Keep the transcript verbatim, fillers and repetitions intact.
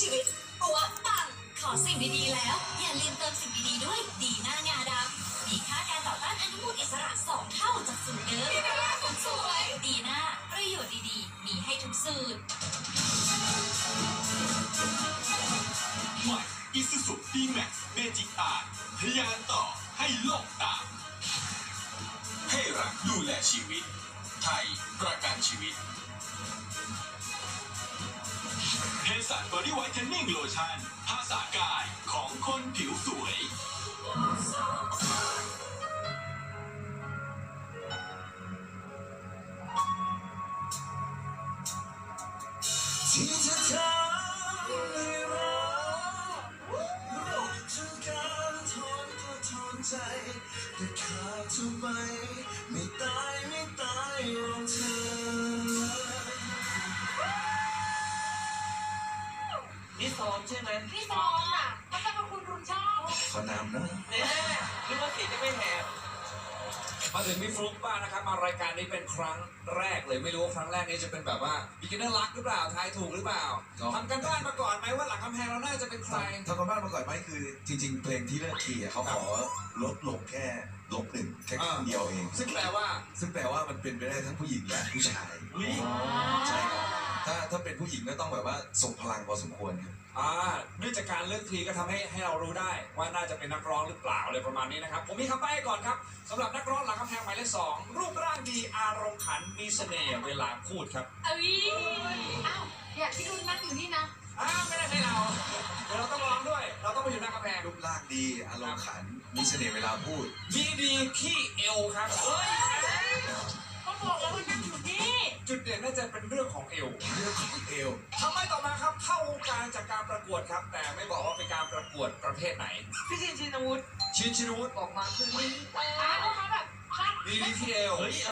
ชีวิตปัวปังขอสิ่งดีๆแล้วอย่าลืมเติมสิ่งดีๆด้วยดีหน้างาดำมีค่าการต่อต้านอนุมูลอิสระสองเท่าจากสูตรเดิมดีหน้าผมสวยดีหน้าประโยชน์ดีๆมีให้ทุกสูตรใหม่อิซูซุดีแม็กซ์เมจิกอาร์ทะยานต่อให้โลกตามให้รักดูแลชีวิตไทยประกันชีวิตเฮสันบอดี้ไวท์เทนนิ่งโลชั่นภาษากายของคนผิวสวยที่จะทำให้เราเราจะการทนก็ทนใจแต่ขาดเธอไปไม่ตายไม่ตายรองเธอนี่ซ้อมใช่ไหมพี่ซ้อมอ่ะเขาจะเป็นคุณคุณชอบขอนำนะเนี่ยนึกว่าเสียงจะไม่แหบมาถึงพี่ฟลุ๊กบ้างนะครับมารายการนี้เป็นครั้งแรกเลยไม่รู้ว่าครั้งแรกนี้จะเป็นแบบว่า beginner luck หรือเปล่าทายถูกหรือเปล่าทำกันบ้านมาก่อนไหมว่าหลังกำแพงเราน่าจะเป็นใครทำกันบ้านมาก่อนไหมคือจริงๆเพลงที่เลือกคีย์เขาขอลดลงแค่ลบหนึ่งแค่ครึ่งเดียวเองซึ่งแปลว่าซึ่งแปลว่ามันเป็นไปได้ทั้งผู้หญิงและผู้ชายอุ๊ยใช่ครับถ้าถ้าเป็นผู้หญิงก็ต้องแบบว่าส่งพลังพอสมควรครับอ่าเนื่องจากการเลือกทีก็ทำให้ให้เรารู้ได้ว่าน่าจะเป็นนักร้องหรือเปล่าอะไรประมาณนี้นะครับผมมีคำใบ้ให้ก่อนครับสำหรับนักร้องหลังกำแพงหมายเลขสองรูปร่างดีอารมณ์ขันมีเสน่ห์เวลาพูดครับเอ้ยอ้าวเนี่ยพี่ดุลนั่งอยู่นี่นะอ้าวไม่ได้ให้เราเดี๋ยวเราต้องร้องด้วย เราต้องไปอยู่หน้ากำแพงรูปร่างดีอารมณ์ขันมีเสน่ห์เวลาพูดดีดีที่เอวครับเฮ้ยก็บอกแล้วว่านั่งอยู่นี่จุดเด่นน่าจะเป็นเรื่องของเอวเรื่องของเอวทำไมต่อมาครับเข้าวงการจากการประกวดครับ แต่ไม่บอกว่าเป็นการประกวดประเภทไหนพี่ชินชินวุฒิชินชินวุฒิบอกมาคือนี่อ้าวเขาแบบชอบดีดีที่เอว